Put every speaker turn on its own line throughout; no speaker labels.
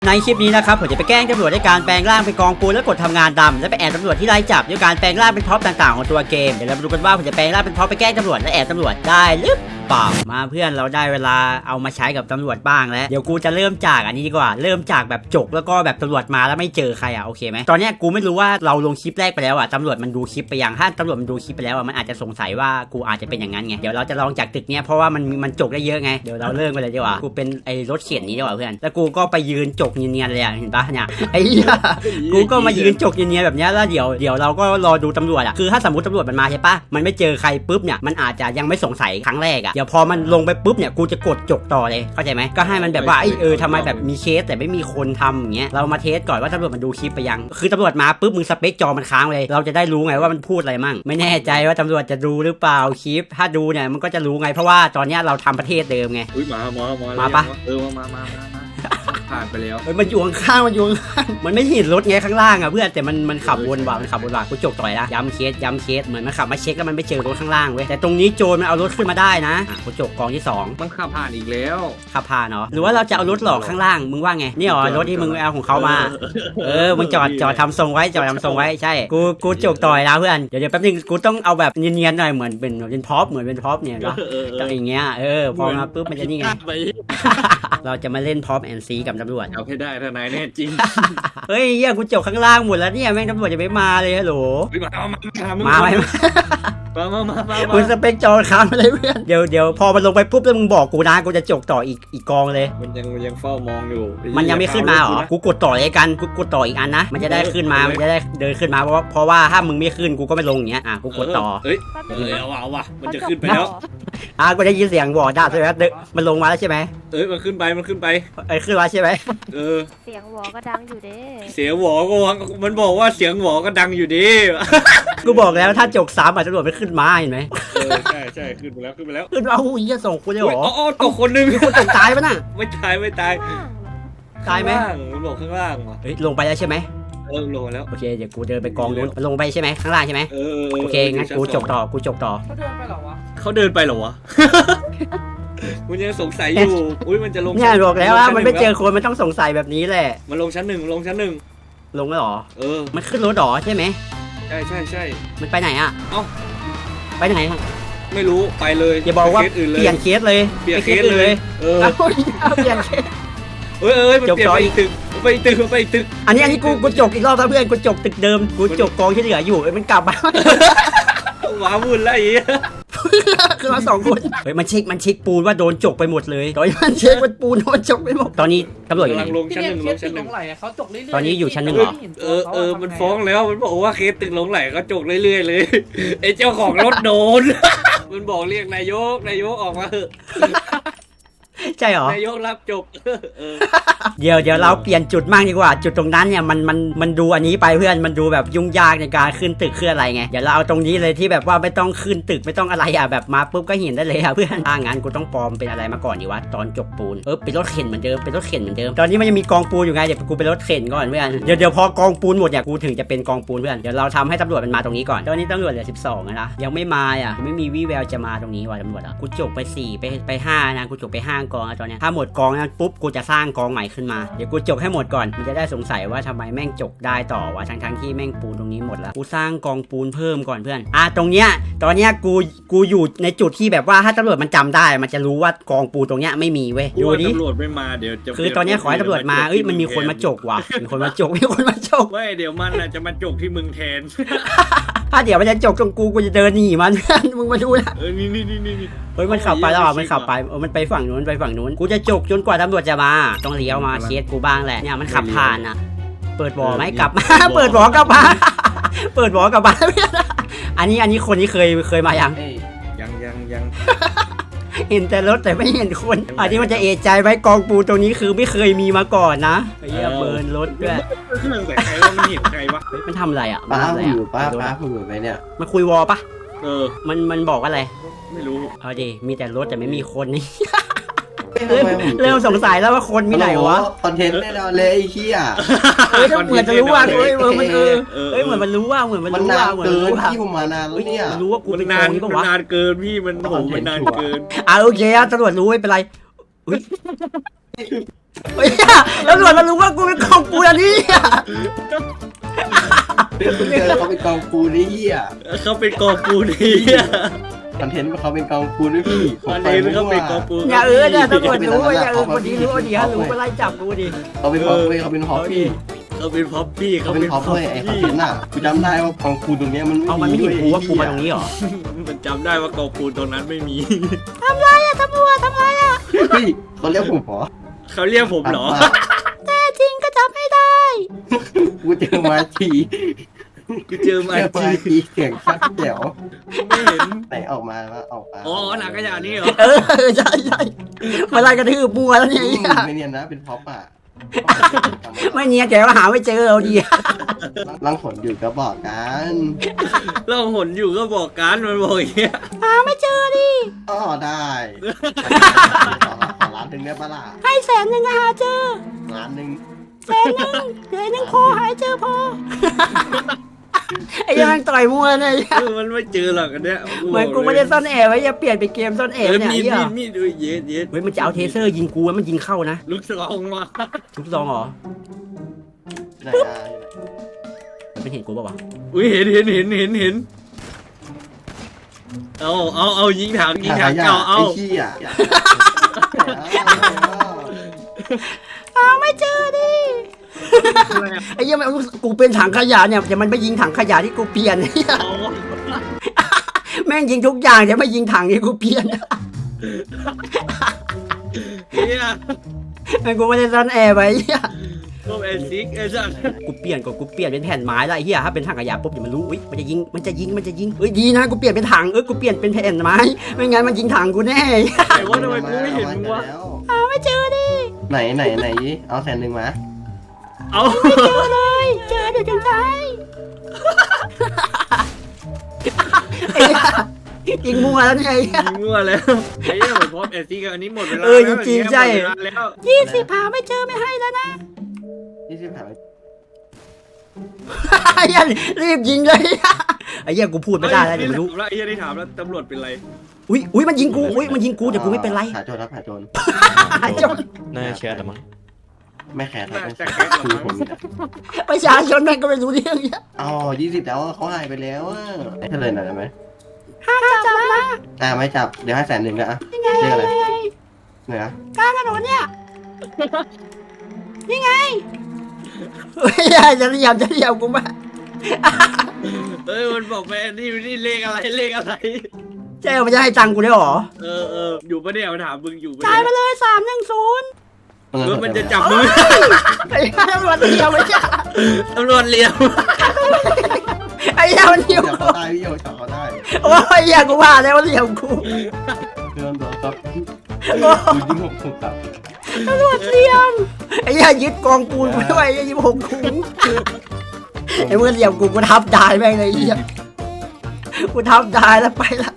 ในคลิปนี้นะครับผมจะไปแกล้งตำรวจด้วยการแปลงร่างเป็นกองปูนแล้วกดทำงานดำและไปแอบตำรวจที่ไล่จับด้วยการแปลงร่างเป็นท็อปต่างๆของตัวเกมเดี๋ยวเรามาดูกันว่าผมจะแปลงร่างเป็นท็อปไปแกล้งตำรวจและแอบตำรวจได้หรือเปล่ามาเพื่อนเราได้เวลาเอามาใช้กับตำรวจบ้างแล้วเดี๋ยวกูจะเริ่มจากอันนี้ดีกว่าเริ่มจากแบบจกแล้วก็แบบตำรวจมาแล้วไม่เจอใครโอเคไหมตอนนี้กูไม่รู้ว่าเราลงคลิปแรกไปแล้วตำรวจมันดูคลิปไปยังถ้าตำรวจมันดูคลิปไปแล้วมันอาจจะสงสัยว่ากูอาจจะเป็นอย่างนั้นไงเดี๋ยวเราจะลองจากตึกเนี้ยเพราะว่ามันจกได้เยอะไงเดี๋ยวเราเริ่มไปเลยดีกว่ากูเป็นไอ้รถเข็นนี้ดีกว่าเพื่อนแล้วกูก็ไปยืนจกเนียนๆเลยเห็นปะเนี่ยไอ้กูก็มายืนจกเนียนๆแบบนี้แล้วเดี๋ยวเราก็รอดูตำรวจคือถ้าสมมติตำรวจมันมาใช่ปะมันไม่เจอใครปุ๊บเนี่ยมันอาจจะยังไม่สงสัยครั้งแรกเดี๋ยวพอมันลงไปปุ๊บเนี่ยกูจะกดจกต่อเลยเข้าใจไหมก็ให้มันแบบว่าทำไมแบบมีเคสแต่ไม่มีคนทำอย่างเงี้ยเรามาเทสก่อนว่าตำรวจมันดูคลิปไปยังคือตำรวจมาปุ๊บมึงสเปคจอมันค้างเลยเราจะได้รู้ไงว่ามันพูดอะไรมั่งไม่แน่ใจว่าตำรวจจะดูหรือเปล่าคลิปถ้าดูเนี่ยมันก็จะรู้ไงเพราะว่าตอนนี้เราทำประเทศเดิมไงมาปะ
มาผ่านไปแล้ว
มันอยู่ข้างมันอยู่ข้างมันไม่เห็นรถไงข้างล่างเพื่อนแต่มันขับวนว่ะกูจกต่อยนะย้ำเคสเหมือนมันขับมาเช็คแล้วมันไม่เจอรถข้างล่างเว้ยแต่ตรงนี้โจรมันเอารถขึ้นมาได้นะกูจกกองที่2
มันขับผ่านอีกแล้ว
ขับผ่านเนาะหรือว่าเราจะเอารถหลอกข้างล่างมึงว่าไงนี่หรอรถที่มึงเอาของเขามามึงจอดทำทรงไว้ใช่กูจกต่อยนะเพื่อนเดี๋ยวแป๊บนึงกูต้องเอาแบบเนียนๆหน่อยเหมือนเป็นพ็อปเนี่ยเนาะอย่างเงี้ยพอมาปุ๊บมันจะนี่ไงเราจะมาเล่นพ็อปแอนซีกับตำรวจ
เอาให้ได้ทนายแน่จริง
เฮ้ยกูจบข้างล่างหมดแล้วเนี่ยแม่งตำรวจจะไม่มาเลยฮัลโหลมาคุณสเปคจอค้างไปเลยเพื่อนเดี๋ยวพอมันลงไปปุ๊บแล้วมึงบอกกูนะกูจะจบต่ออีกกองเลย
มันยังเฝ้ามองอยู่
มันยังไม่ขึ้นมาหรอกูกดต่อเลยกันกูกดต่ออีกอันนะมันจะได้ขึ้นมามันจะได้เดินขึ้นมาเพราะว่าถ้ามึงไม่ขึ้นกูก็ไม่ลงอย่างเงี้ยกูกดต่อ
เอาว่ะมันจะขึ้นไปแล้ว
กูได้ยินเสียงวอร์ดใช่ไหมมันลงมาแล้วใช่ไหม
มันขึ้นไป
ขึ้นมาใช่ไหม
เสียงหวอก็ดังอยู่เด้
เสียงหวอก็มันบอกว่าเสียงหวอก็ดังอยู่ดิ
กูบอกแล้วถ้าจก3ตำรวจไม่ขึ้นมาเห็นไหม
ใช่ขึ้นไปแล้วขึ้น
เอาอีกส่งคุณเลยหรอ
ตกคนนึง
มีคนตกตายปะน่ะ
ไม่ตาย
ตายไหม
มันบอกข้างล่างว่ะ
ลงไปแล้วใช่ไหม
ลงแล้ว
โอเคเดี๋ยวกูเดินไปกองนู้นลงไปใช่ไหมข้างล่างใช่ไหมโอเคงั้นกูจกต่อ
เขาเดินไปเหรอวะมันยังสงสัยอยู่มันจะลง
เนี่ยบอกแล้วว่ามันไม่เจอคนมันต้องสงสัยแบบนี้แหละ
มันลงชั้นหนึ่งลง
แล้วหรอมันขึ้นรถหรอใช่ไหม
ใช่
มันไปไหนไปไหน
ไม่รู้ไปเลย
อย่าบอกว่าเปลี่ยนเคสเลย
เปลี่ยนเคสเลย
เปลี่ยนเคส
จบต่ออีกตึกไปตึก
อันนี้กูจกอีกรอบเพื่อนกูจกตึกเดิมกูจกกองที่เหลืออยู่มันกลับมา
ว้าวุ่นแล้วอี
คือเรา2คนมันเช็คปูนว่าโดนจกไปหมดเลยตอนนี้มันเช็คว่าปูนโดนจกไปหมดตอนนี้ตำรวจอยู่ไหน
ลงชั้นหนึ่ง
เขาจกเรื่อย
ๆตอนนี้อยู่ชั้น1เหร
อมันฟ้องแล้วมันบอกว่าเคสตึกหลงไหลเขาจกเรื่อยๆเลยไอ้เจ้าของรถโดนมันบอกเรียกนายกออกมาเถอะ
ใช่หรอน
ายกรับจบ
เดี๋ยวเราเปลี่ยนจุดมากดีกว่าจุดตรงนั้นเนี่ยมันดูอันนี้ไปเพื่อนมันดูแบบยุ่งยากในการขึ้นตึกขึ้นอะไรไงเดี๋ยวเราเอาตรงนี้เลยที่แบบว่าไม่ต้องขึ้นตึกไม่ต้องอะไรแบบมาปุ๊บก็เห็นได้เลยเพื่อนงั้นกูต้องปลอมเป็นอะไรมาก่อนดีวะตอนจกปูนเป็นรถเข็นเหมือนเดิมตอนนี้มันยังมีกองปูนอยู่ไงเดี๋ยวกูเป็นรถเข็นก่อนเพื่อนเดี๋ยวพอกองปูนหมดเนี่ยกูถึงจะเป็นกองปูนเพื่อนเดี๋ยวเราทำให้ตำรวจมันมาตรงนี้ก่อนตอนนี้ตำรวจเหลือ12นะยังไม่มาไม่มีวี่แววจะมาตรงนี้ว่ะตำรวจกูจกไป4ไป5นะกูจกไป5กองตอนนี้ถ้าหมดกองนั้นปุ๊บกูจะสร้างกองใหม่ขึ้นมาเดี๋ยวกูจกให้หมดก่อนมันจะได้สงสัยว่าทำไมแม่งจกได้ต่อวะทั้งที่แม่งปูนตรงนี้หมดแล้วกูสร้างกองปูนเพิ่มก่อนเพื่อนตรงเนี้ยตอนเนี้ยกูอยู่ในจุดที่แบบว่าถ้าตำรวจมันจำได้มันจะรู้ว่ากองปูนตรงเนี้ยไม่มีเว้ยดูดิ
ตำรวจไม่มาเดี๋ยว
คือตอนเนี้ยขอให้ตำรวจมามันมีคนมาจกว่ะมีคนมาจก
ไม่เดี๋ยวมันจะมาจกที่มึงแทน
ถ้าเดี๋ยวมันจะจกตรงกูจะเดินหนีมันมึงมาดูนะ
นี่
มันขับไปแล้วมันขับไปมันไปฝั่งนู้นกูจะจกจนกว่าตำรวจจะมาต้องเลี้ยวมาเคสกูบ้างแหละเนี่ยมันขับผ่านเปิดบ่อไหมกลับมาเปิดบ่อกลับมาอันนี้คนนี้เคยมายังเห็นแต่รถแต่ไม่เห็นคนอันนี้มันจะเอะใจไว้กองปูตรงนี้คือไม่เคยมีมาก่อนนะไอ้เหี้ยเบิร์นรถด้วย
เครื่องใส่ใครว่ามันเห็นใครวะ
มันทำอะไร
ป้าอยู่ไปเนี่ย
มันคุยวอลปะมันบอกว่าอะไร
ไม่รู้
เอาดิมีแต่รถแต่ไม่มีคนนี่ เริ่มสงสัยแล้วว่าคนมีไหนวะ
คอนเทนต์แน่นอนเลยไอ้เหี้ย
เหมือนจะรู้ว่ามันเหมือนมันรู้ว่าเหมือนมันรู้ว่า
เหมือนรู้ว่าพี่ผมมานานแล้วเนี่ย
รู้ว่ากูเป็น
นานเกินพี่มันโหมันนานเกิน
โอเคตำรวจรู้ไม่เป็นไรเฮ้ยตำรวจมันรู้ว่ากูเป็นของกูอันนี้อ่ะ
กูเจอแล้วเขาเป็นกองปูนี่เหี้ย
เขาเป็นกองปูนี่
คอนเทนต์เขาเป็นกองปูด้วยพี่
อันนี้เขาเป็นกองปู
อย่าเนี่ยตำรวจรู้ว่าอย่าคนนี้รู้ว่าดีฮะรู้ก็ไล่จับกูดิ
เขาเป็นพอปเว้ยเขาเป็นพอปพี่
เขาเป็นพ็อปปี้
เขาเป็นพอปเว้ยไอ้คอนเทนต์อ่ะกูจำได้ว่ากองปูตรงเนี้ยมัน
เอามันไม่เห็นกูว่ากูมาตรงนี้หรอ
มันจำได้ว่ากองปูตรงนั้นไม่มี
ทำไรอะตำรวจทำไรอะ
เฮ้ยเขาเรียกผมเหรอ
เขาเรียกผมเหรอ
แต่จริงก็จับไม่ได้
กูเจอมาที
กูเจอมา
เจอมาทีเสียงชัดแจ๋ว
ไม่เห็น
ไหนออกมาออกมา
อ๋อหนังขยะนี่เหรอ
ใช่มาไล่กระทืบมัวแล้วเนี่ย
ไม่เนียนนะเป็นพ็อปอ่ะ
ไม่เนียนแกก็หาไม่เจอเราดี
ลังผลอยู่ก็บอกกัน
เราหนอยู่ก็บอกกันมันบอกอย่างเงี้ย
หาไม่เจอดิ
อ๋อได้ขอล้านหนึ่งได้ปะล่ะ
ให้100,000หาเจอ
ล้านหนึ่ง
100,000พอหายเจอพอไอ้ยังต่อยมัวเนี่ย
มันไม่เจอหรอกอันเนี้ย
เหมือนกูไม่ได้ซ่อนแอบไว้อย่าเปลี่ยนไปเกมซ่อนแอบเนี่ย
มีดดูเย็ดเย็ด
เฮ้ยมันจะเอาเทเซอร์ยิงกูแล้วมันยิงเข้านะ
ลูกสองมา
ทุกซองเหรอ
ไหนอ่ะ
มันเห็นกูป่าวะ
อุ้ยเห็นเอายิงถังเอา
ไอ้ขี้อ่ะ
ไม่เจอดิไอ้ยังไม่กูเป็นถังขยะเนี่ยแต่มันไม่ยิงถังขยะที่กูเปลี่ยนเนี่ยแม่งยิงทุกอย่างแต่ไม่ยิงถังที่กูเปลี่ยน
เนี่ย
แม่งกูไม่ได้ซ่อนแอบไว้เหี้ย
พวกเอซิกไอ้สัส
กูเปลี่ยนเป็นแผ่นไม้ละไอ้เหี้ยถ้าเป็นถังขยะปุ๊บเดี๋ยวมันรู้อุ้ยมันจะยิงเอ้ยดีนะกูเปลี่ยนเป็นถังกูเปลี่ยนเป็นแผ่นไม้ไม่งั้นมันยิงถังกูแน่
แต่ว่าทำไมกูไม่เห็นมึงวะ
ไม่เจอดิ
ไหนเอา100,000มา
เอา
เจอเลยเจอเดี๋ยวจะตายไอ้เหี้ยยิงมัวแล้วเนี่ยไอ้เหี้ย
มั่วแล้วไอ้เนี่ยเหมือนพร้อมเอซิกอันนี้หมดเวลา
จริงๆใช่
แล้ว
20หาไม่เจอไม่ให้แล้วนะ
20หา
ไอ้เหี้ยรีบยิงเลยไอ้เหี้ยกูพูดไม่ได้แล้วเดี๋ยวมันรู้
แล้วไอ้ที่ถามแล้วตำรวจเป็นไร
อุ้ยมันยิงกูแต่กูไม่เป็นไร
หาโจรครับหาโจร
จน
น่าจะแชร์แต่มั้ง
ไม่แคร์ครับ
แต่แค่หรอ
คือผม
ประชาชนแม่งก็ไม่รู้เรื่องเนี่ย
อ๋อ20แล้วเขาหายไปแล้วอ่ะให้เลยหน่อยได้ไหม
จับนะ
ไม่จับเดี๋ยวให้100,000นะอ่ะเรียกอะไรไหนอ่ะ
กลางถนนเนี่ยนี่ไงเฮ้ยจะเรียมกูมา
เอ้ยมันบอกไปนี่เลขอะไร
เจ๊มันจะให้ตังค์กูได้หรอ
อยู่ปะเนี่ยมันถามมึงอยู่ปะ
จ่ายไป
เนี่ย
เลย310
เออมันจะจับมือ
ไอ้ตำรวจเดียวไม่ใช่
ตำรวจเลี้ยว
ไอ้เหี้ยมันเดียว
จับเขาได้พี่โยจับเขาได้
โอ้ยเหี้ยกูว่าแล้วว่าเดียวกู
เดินตัวครับคุณยิ่งหกครับ
ตำรวจเดียวไอ้เหี้ยยึดกองปูนกูด้วยไอ้ยี่6ถุงไอ้เมื่อเดียวกูทับได้แม่งเลยไอ้เหี้ยกูทับได้แล้วไปแล้ว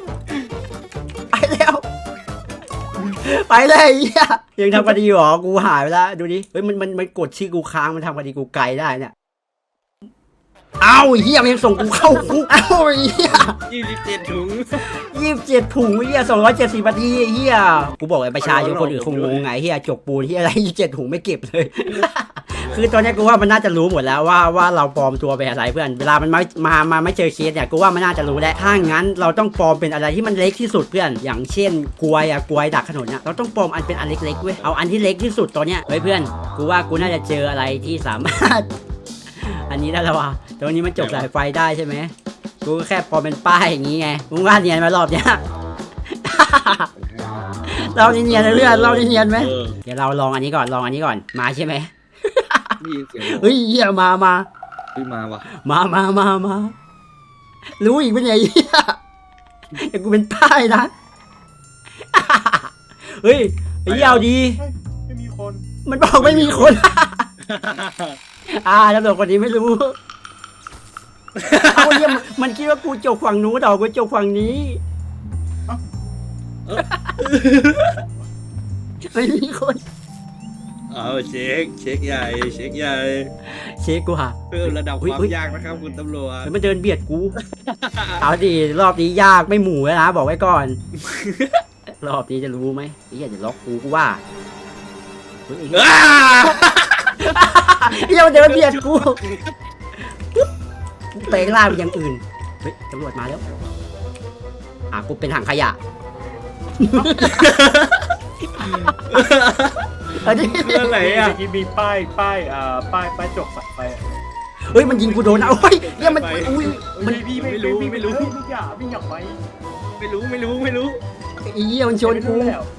ไปเลยไอ้เหี้ยยังทำคดีหรอกูหายไปแล้วดูดิเฮ้ยมันกดชื่อกูค้างมันทำคดีกูไกลได้เนี่ยเอ้าไอ้เหี้ยมันยังส่งกูเข้าคุกเอ้าไอ้เหี้ย
27 ถุง
27 ถุงไอ้เหี้ย270 นาทีไอ้เหี้ยกูบอกไอ้ประชาชนคนอื่นคงงงไงไอ้เหี้ยจกปูนที่อะไร27 ถุงไม่เก็บเลย คือตอนนี้กูว่ามันน่าจะรู้หมดแล้วว่าเราปลอมตัวเป็นอะไรเพื่อนเวลามันมาไม่เจอเคสเนี่ยกูว่ามันน่าจะรู้แล้วถ้างั้นเราต้องปลอมเป็นอะไรที่มันเล็กที่สุดเพื่อนอย่างเช่นกลวยดักถนนเนี่ยเราต้องปลอมอันเป็นอันเล็กๆเว้ยเอาอันที่เล็กที่สุดตอนเนี้ยเฮ้ยเพื่อนกูว่ากูน่าจะเจออะไรที่สามารถ อันนี้ได้แล้วว่ะตรงนี้มันจบสายไฟได้ใช่ไหมกูก็แค่ปลอมเป็นป้ายอย่างงี้ไงมึงว่าเนียนมารอบเนี้ย เราเนียนเรื่อยเราเนียนไหมเดี๋ยวเราลองอันนี้ก่อนมาใช่ไหม
นี่เสียง
เฮ้ยเหี้ยมา
มาว่ะ
มารู้อีกเป็นไงเหี้ยแต่กูเป็นป้ายนะ เฮ้ยไอ้เหี้ยเอาดี
ไม่มีคน
มันบอกไม่มีคน ตำรวจคนนี้ไม่รู้ เอาเหี้ยมันคิดว่ากูจกฝั่งนู้นกูจกฝั่งนี้ไม่มีคน
เอาเช็คใหญ่
เช็คกูหา
เพิ่มระดับความยากนะครับคุณตำรวจ
มันเดินเบียดกู เอาดิรอบนี้ยากไม่หมู่แล้วนะบอกไว้ก่อนรอบนี้จะรู้ไหมไอ้เหี้ยจะล็อกกูว่าเฮ้ยไอ้เหี้ย
อ้า
ไอ้เหี้ยมันเดินเบียดกูแปลงร่างเป็นอย่างอื่นเฮ้ยตำรวจมาแล้วกูเป็นถังขยะอันนี้
อะไรอ่ะ
ที่มีป้ายจกสักไป
เฮ้ยมันยิงกูโดนนะโอ้ยเนี่ยมันอุ้ย
พี่ไม่รู้พี่อย่าไป
ไม่รู้
ไอ้เหี้ยมันชนกู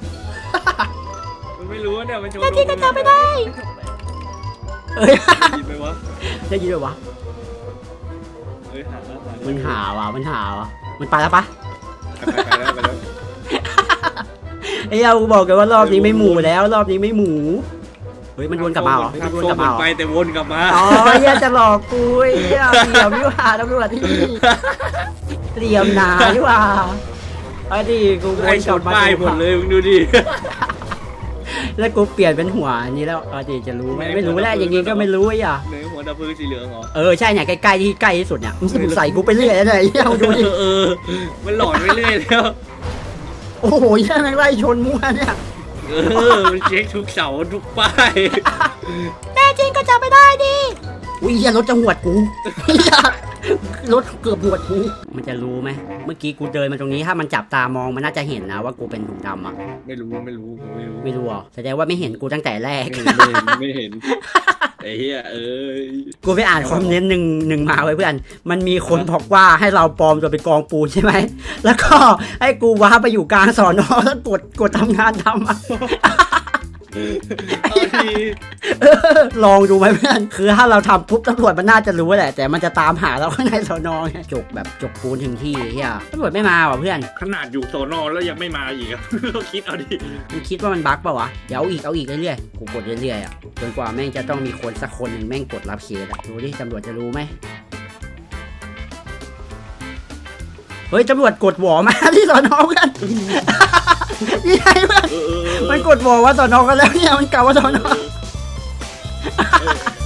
มันไม่รู้เนี่ยมันชน
ที่ก็จับไม่ได้เฮ้ย
ยินไหมวะ
ได้ยินไหมวะ
เฮ้ยหา
มันหาว่ะมันไปแล้วปะ
ไปแล้ว
ไอ้เหี้ยกูบอกกันว่ารอบนี้ไม่หมูแล้วรอบนี้ไม่หมูเฮ้ยมันวนกลับมาเหรอมันวนกลับมาเหรอ
ไปแต่วนกลับมา
อ๋อเหี้ยจะหลอกกูไอ้เหี้ยเหลี่ยมนี่หว่าตำรวจที่เหลี่ยมหนานี่หว่าไอ้ดิกูว
ไอ้
น
ช
กลับ
น
มา
ป้ายหมดเลยมึงดูดิ
แล้วกูเปลี่ยนเป็นหัวอันนี้แล้วไอ้ดิจะรู้ไหมไม่รู้แล้วอย่างงี้ก็ไม่รู้ไอ้เหี้ย
ในหัวดับเพลิงสีเหลืองเหรอ
ใช่เนี่ยใกล้ที่สุดเนี่ยมึงใส่กูไปเรื่อยเลยไอ้เหี้ยมึงดูดิ
มันหลอนไปเรื่อยแล้ว
โอ้โหเหี้ยแม่งไล่ชนมั่วเนี่ย
มันเช็คทุกเสาทุกป้าย
แน่จริงก็จับไม่ได้ดิอุ้ยเหี้ยรถจะหวดกูเหี้ยรถเกือบหวดกูมันจะรู้ไหมเมื่อกี้กูเดินมาตรงนี้ถ้ามันจับตามองมันน่าจะเห็นนะว่ากูเป็นถุงดำอ่ะ
ไม่รู้
ไม่รู้อ่ะแสดงว่าไม่เห็นกูตั้งแต่แรก
ไม่เห็นไอ้เหี้ย
กูไปอ่านคอมเมนต์หนึ่งมาไว้เพื่อนมันมีคนบอกว่าให้เราปลอมตัวเป็นกองปูนใช่ไหมแล้วก็ให้กูว้าไปอยู่กลางสอนอแล้วกดทำงานทำอ่ะ
เอาที
ลองดูไหมเพื่อนคือถ้าเราทำปุ๊บตำรวจมันน่าจะรู้แหละแต่มันจะตามหาเราข้างในสอนอไงจกปูนถึงที่เฮียตำรวจไม่มาว่ะเพื่อน
ขนาดอยู่โซนอแล้วยังไม่มาอีกก็คิดเอาดิ
มันคิดว่ามันบั๊กเปล่าวะเดี๋ยวเอาอีกเรื่อยๆกูกดเรื่อยๆอ่ะจนกว่าแม่งจะต้องมีคนสักคนหนึ่งแม่งกดรับเคสอ่ะดูดิตำรวจจะรู้ไหมเฮ้ยตำรวจกดหวอมาที่สอนอเพื่อนนี่ไงเพื่อนมันกดหวอว่าสอนอกันแล้วเนี่ยมันกล่าวว่าสอนอ